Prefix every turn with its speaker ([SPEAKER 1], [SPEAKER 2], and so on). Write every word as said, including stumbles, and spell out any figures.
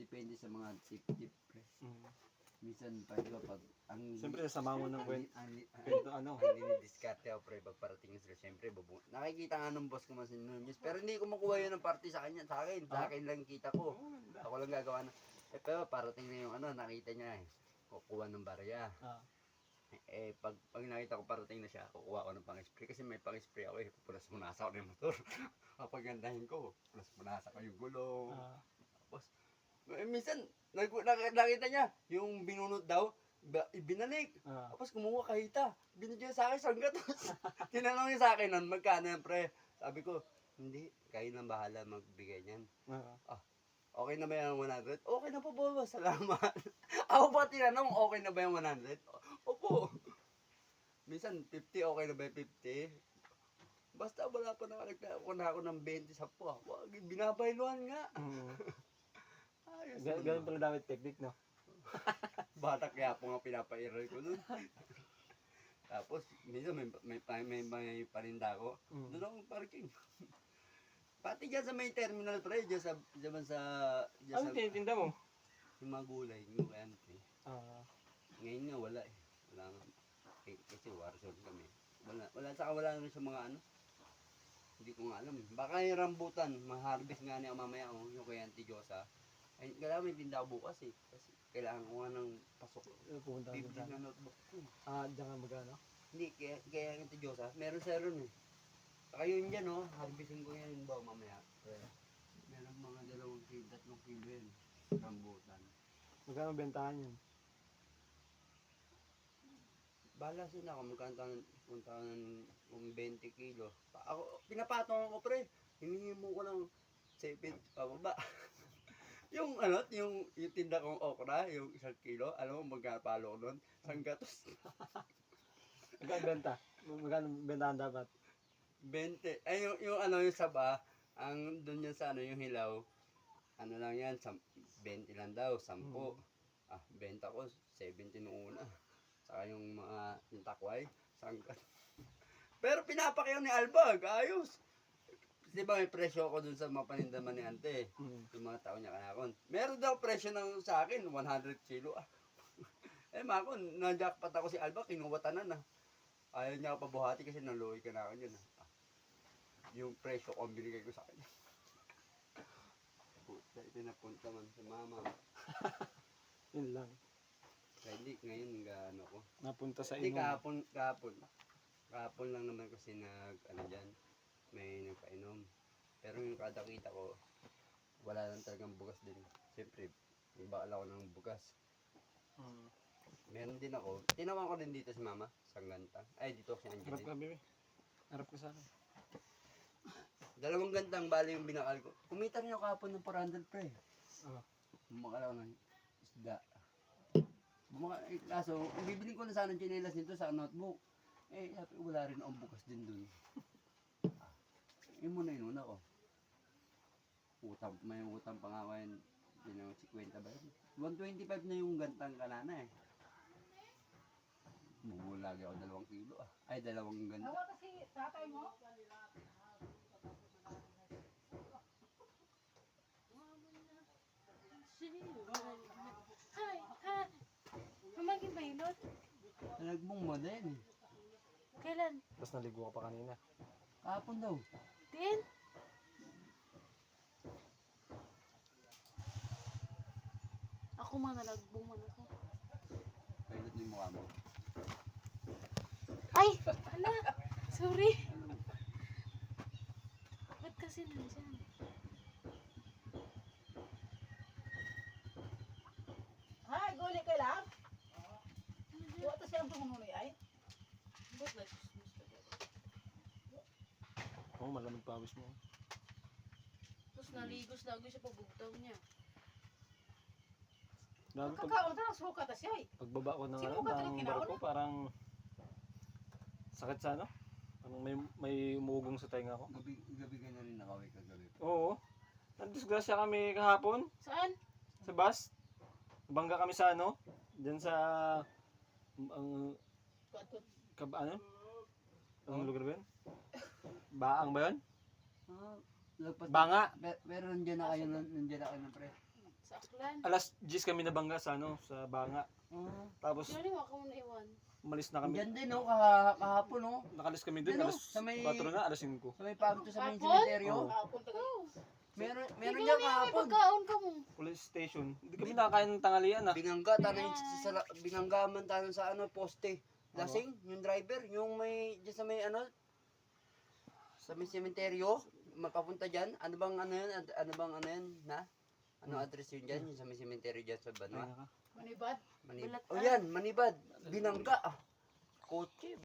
[SPEAKER 1] depende sa mga tip-tip, pre.
[SPEAKER 2] Mm.
[SPEAKER 1] Minsan, pag, diba, pag, ang,
[SPEAKER 2] Siyempre, sasama mo ng
[SPEAKER 1] ang,
[SPEAKER 2] kwento,
[SPEAKER 1] ang, ang,
[SPEAKER 2] kwento ano.
[SPEAKER 1] ang dinidiskarte ako, pre, pag parating sila, siyempre, bubu. Nakikita nga ng boss ko man si Nunez, pero hindi ko makuha yun ng party sa kanya, sa akin, sa
[SPEAKER 2] Ah?
[SPEAKER 1] akin lang kita ko.
[SPEAKER 2] Oh, ganda.
[SPEAKER 1] Ako lang gagawa na. Eh, pero parating na yung ano, nakita niya eh, kukuha ng barya.
[SPEAKER 2] Ah.
[SPEAKER 1] Eh, pag, pag nakita ko parating na siya, kukuha ko ng pang-spray. Kasi may pang-spray ako eh. Punas-punasa ako ng motor. Papagandahin ko, punas-punasa ko yung gulong.
[SPEAKER 2] Ah.
[SPEAKER 1] Tapos, eh, minsan, nag, nak- nakita niya, yung binunot daw, ba- ibinalik.
[SPEAKER 2] Ah.
[SPEAKER 1] Tapos kumuha kahita. Binigyan sa akin, sangga. Tapos, tinanong niya sa akin nun, magkano yan, pre? Sabi ko, hindi, kayo nang bahala magbigay niyan.
[SPEAKER 2] Ah.
[SPEAKER 1] Okay na ba yung one hundred? Okay na po, boss. Salamat. Ako pa tinanong, okay na ba yung one hundred? Opo. Minsan, fifty, okay na ba yung fifty? Basta wala pa nakalagay ako na ako ng twenty sa po. Wag, binabayluhan nga.
[SPEAKER 2] Mm.
[SPEAKER 1] Ayos
[SPEAKER 2] Gan- Ganun pala dapat technique, no?
[SPEAKER 1] Bata kaya po nga pinapairal ko dun. Tapos, minsan may, may, may, may, may parinda ako.
[SPEAKER 2] Mm.
[SPEAKER 1] Doon akong parking. Pati dyan sa may terminal, pre. Dyan sa, dyan sa, dyan
[SPEAKER 2] Ano
[SPEAKER 1] sa,
[SPEAKER 2] tinitinda mo?
[SPEAKER 1] yung mga gulay, yung kante.
[SPEAKER 2] Ah.
[SPEAKER 1] Ngayon nga wala eh. Wala nga. Eh, kasi warzone kami. Wala, wala, saka wala naman sa mga ano. Hindi ko nga alam. Baka yung rambutan, ma-harvest nga niya mamaya oh, yung kay Auntie Josa. Ay, kailangan may tinda ako bukas eh. Kasi kailangan ko nga ng pasok.
[SPEAKER 2] Pupunta ka
[SPEAKER 1] fifty
[SPEAKER 2] dyan.
[SPEAKER 1] na notebook ko.
[SPEAKER 2] Ah, dyan ka magano?
[SPEAKER 1] Hindi, kaya, kaya Auntie Josa, meron sa ron eh. Saka yun dyan oh, harvesting ko yan ba mamaya. Meron mga dalawang kilo, tatlong kilo yan. Rambutan.
[SPEAKER 2] Magkano bentahan yun?
[SPEAKER 1] Bala sila ako, magkanta ng punta ng um, twenty kilo. Pa, ako, pinapatong ako pre. Hiningi mo ko ng seven pababa. yung ano, yung, yung tinda kong okra, yung isang kilo, alam mo magkapalo ko doon? Isang gatos.
[SPEAKER 2] Magkano benta? Magkano bentahan dapat?
[SPEAKER 1] twenty. Ay, yung, yung ano, yung saba, ang doon yan sa ano, yung hilaw, ano lang yan, twenty lang daw, ten.
[SPEAKER 2] Mm.
[SPEAKER 1] Ah, benta ko, seventy nung una. Saka yung mga yung takway, sangkat. Pero pinapakyaw ni Albag, ayos. Di ba may presyo ako dun sa mga panindaman ni Ante?
[SPEAKER 2] Mm.
[SPEAKER 1] Yung mga tao niya kanakon. Meron daw presyo ng sa akin, one hundred kilo. Ah. eh makon, na-jackpot ako si Albag, kinuwatanan na. Ayaw niya ako pabuhati kasi naluwi ka na ako yun. Ah. Yung presyo ko ang binigay ko sa kanya. Puta, pinapunta man sa mama.
[SPEAKER 2] Yun lang.
[SPEAKER 1] Kaya hindi, ngayon gaano ko.
[SPEAKER 2] Napunta sa
[SPEAKER 1] Hindi,
[SPEAKER 2] inom.
[SPEAKER 1] kahapon, kahapon. Kahapon lang naman kasi nag, ano dyan, may nagpainom. Pero yung kada kita ko, wala lang talagang bugas din. Siyempre, nagbakal ako ng bugas.
[SPEAKER 2] Mm.
[SPEAKER 1] Meron din ako. Tinawan ko din dito si mama, sa ganta. Ay, dito si
[SPEAKER 2] Harap
[SPEAKER 1] Angeline.
[SPEAKER 2] ka, bebe. Harap ka sa akin.
[SPEAKER 1] Dalawang gantang bali yung binakal ko. Kumita rin ako kahapon ng four hundred pre.
[SPEAKER 2] Ah.
[SPEAKER 1] Bumakal ako ng isda. Bumaka, eh, kaso, ang bibili ko na sana ng chinelas nito sa notebook. Eh, sabi, wala rin akong bukas din dun. Ah, yun muna inuna ko. Utang, may utang pa nga ako yun. Yun ang fifty ba yun? one twenty-five na yung gantang kanana eh. Bubulagi ako dalawang kilo ah. Ay, dalawang ganta.
[SPEAKER 3] Tawa kasi tatay mo.
[SPEAKER 4] Hi, hi. Mamaging bailot?
[SPEAKER 1] Talagbong mo din.
[SPEAKER 4] Kailan?
[SPEAKER 2] Tapos naligo ka pa kanina.
[SPEAKER 1] Kahapon daw.
[SPEAKER 4] Din? Ako man nalagbong man ako.
[SPEAKER 1] Pilot mo yung mukha mo.
[SPEAKER 4] Ay! Ala! Sorry! Ba't kasi nandyan?
[SPEAKER 3] Hay, guli ka lang. Buwa to siyang tumunuloy ay.
[SPEAKER 2] Oo, oh, malamig pawis mo.
[SPEAKER 4] Tapos naligos lagi sa pagbugtaw niya.
[SPEAKER 2] Grabe, pag,
[SPEAKER 3] Kakaon ta ng suka ta siya ay.
[SPEAKER 2] pagbaba ko ng,
[SPEAKER 3] Sino
[SPEAKER 2] ano,
[SPEAKER 3] ka
[SPEAKER 2] ng
[SPEAKER 3] talaga
[SPEAKER 2] barko,
[SPEAKER 3] kinauna?
[SPEAKER 2] parang sakit sa ano? Parang may, may umugong sa tenga ko.
[SPEAKER 1] Gabi, gabi ka na rin nakaway kagabi.
[SPEAKER 2] Oo. Nandisgrasya kami kahapon
[SPEAKER 4] Saan?
[SPEAKER 2] sa bus. Bangga kami sa ano? Diyan sa ang
[SPEAKER 3] Kuat-kuat.
[SPEAKER 2] kab ano? Anong lugar ba yun? Baang ba yun?
[SPEAKER 1] Ah, lagpas.
[SPEAKER 2] Banga.
[SPEAKER 1] Pero, pero nandiyan na kayo, nandiyan na kayo ng pre.
[SPEAKER 4] Sa Aklan.
[SPEAKER 2] Alas diyes kami nabangga sa ano, sa Banga.
[SPEAKER 1] Ah.
[SPEAKER 2] Tapos
[SPEAKER 4] Sino waka mo na iwan?
[SPEAKER 2] umalis na kami.
[SPEAKER 1] Diyan din, no? Kaha, kahapon, no?
[SPEAKER 2] Nakalis kami doon,
[SPEAKER 1] Ano?
[SPEAKER 2] alas
[SPEAKER 1] Sa may-
[SPEAKER 2] kwatro na, alas singko.
[SPEAKER 1] Sa may pagod to sa may
[SPEAKER 4] Hapon?
[SPEAKER 1] cemeteryo.
[SPEAKER 2] Oo.
[SPEAKER 3] Ah, punta ka.
[SPEAKER 1] Meron,
[SPEAKER 4] Meron
[SPEAKER 1] meron
[SPEAKER 4] niya
[SPEAKER 1] niya
[SPEAKER 4] may
[SPEAKER 1] kahapon.
[SPEAKER 4] pagkaon ka mo.
[SPEAKER 2] Police station. Hindi kami nakakain ng tanghalian ah.
[SPEAKER 1] Binangga, tanay sa, sa, binangga man tayo sa ano, poste. Lasing, yung driver, yung may, dyan sa may ano, sa may cemeteryo, makapunta dyan. Ano bang ano yun? Ad- Ano bang ano yun, na? Ano address yun dyan? Yung sa may cemeteryo dyan sa
[SPEAKER 2] Ay,
[SPEAKER 1] Banwa?
[SPEAKER 2] naka.
[SPEAKER 3] Manibad.
[SPEAKER 1] Manib
[SPEAKER 4] Balat-
[SPEAKER 1] oh yan, Manibad. Binangga. Ah. Kotse.